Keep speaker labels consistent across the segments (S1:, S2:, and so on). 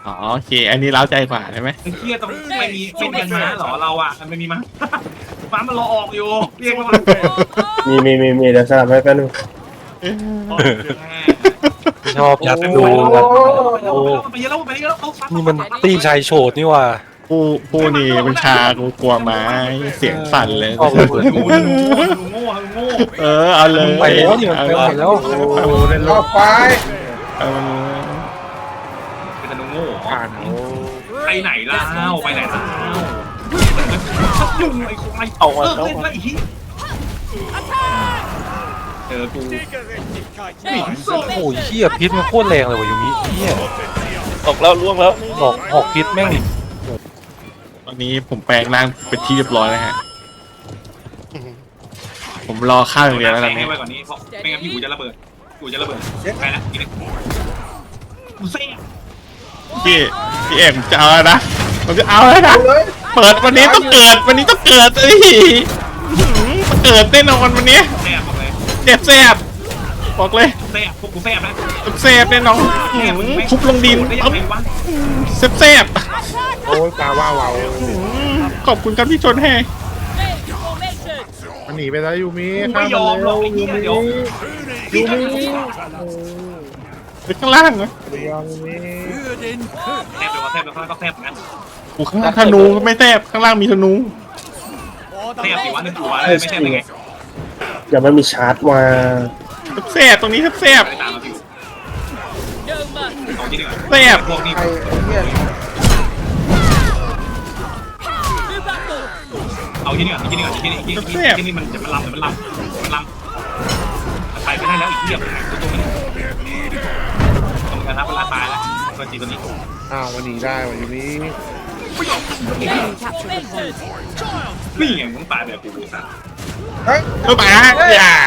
S1: อ๋อโอเคอันนี้เล้าใจกว่าใช่ไหม
S2: ไอ้เหี้ยต้องไม่มีเป็นยังม้าเหรอเราอ่ะมันไม่มีม้าม้ามันรอออกอยู่เรียกว่า
S3: มีเดี๋ยวสลับให้แป๊บนึง
S4: ชอบยัดดู
S2: ไปเยอะแล้วไปเยอะแล้ว
S4: นี่มันตีชายโฉดนี่ว่า
S1: ผู้นี่มันชากูกลัวไม้เสียงสั่นเลย
S4: ชอบระเบิด
S2: โง่โง่
S1: เอาเลย
S4: ไปแล้วนี่มันไปหมดแล้ว
S3: รอบไฟ
S1: เอาเลย
S2: เป็นแต่โง่
S3: ผ่าน
S2: ไปไหนล่ะไปไหนล่ะยุ่งไอ้ควายเล่นไอ้ที่เจอกู
S4: โอ้ยเหี้ยพิษมันโคตรแรงเลยว่ะยูมิเหี้ย
S5: ออกแล้วล่วงแล้ว
S4: ออกพิษแม่ง
S1: ตอนนี้ผมแปลงร่างเป็นที่เรียบร้อยแล้วฮะผมรอข้าวอย่างเดียวแล้วตอน
S2: ให้
S1: นี้
S2: ไว้ก่อนนี้เพราะไม่งั้นพี่กูจะระเบิดไปละอีกนิดกูเซ่
S1: พี่เอกผมจะเอาแล้วนะผมจะเอาแล้วนะเปิดวันนี้ต้องเกิดวันนี้ต้องเกิดเอ้ยเกิดแน่นอนวันนี้
S2: แซ่บบอกเลย
S1: เจ็บแสบบอกเลย
S2: แซ่บพวกกูแซ่บนะ
S1: แสบแน่นอนทุบลงดิน
S2: ได้ยังไงวะ
S1: แสบ
S3: โอ้ยตาว่าเรา
S1: ขอบคุณครับที่ชนให้
S3: มันหนีไปแล้วยูมิ
S2: ไม่ยอมหรอกไอ้เหี้ยเดี๋ยว
S3: ยูมิ
S1: ไปข้างล่างเหรอ
S3: ไม่ยอมยูมิ
S2: แซ่บเดี๋ยวแซ่บแล้วก็แซ่บงั้น
S1: โอ้ข้างล่างธนูไม่แสบข้างล่างมีธนู
S2: แซ่บสิวะนึกตัวไม่แซ่บยังไง
S3: อย่าไม่มีชาร์จมา
S1: แสบตรงนี้แสบ
S2: ไปตามมาอยู่เอาที่นี่ก่อน
S1: แสบ
S2: พวกนี้
S3: ไอ้เนี่ย
S2: เอาที่นี่ก่อนที่นี่ก่อนที่นี่มันจะมันลำไปไม่ได้แล้วอีกเหี้ยตัวนี้ต้องการรับเวลาตายแล้วตัวจีตัวนี้
S3: อ้าวมันหนีได้ว่ะยูมิ
S2: นี่ไงมึงตายแบบกูสัตว์
S3: เฮ้ย
S1: มาอย่า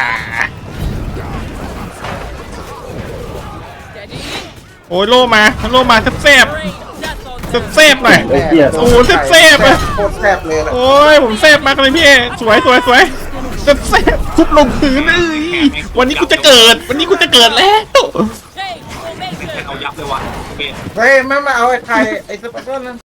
S1: โอ้ยโลมาแสบหน่อย
S3: ไอ้เหี้ย
S1: โอ้แสบอ่ะ
S3: โคตรแซ่บเลยนะ
S1: โอ้ยผมแสบมากเลยพี่เอสวยแสบทุบลงพื้นเอ้ยวันนี้กูจะเกิดแล้ว
S2: เอายับเลยวะโอเค
S3: เฮ้ยแม่มาเอาไอ้ไทยไอ้สปาร์ตัน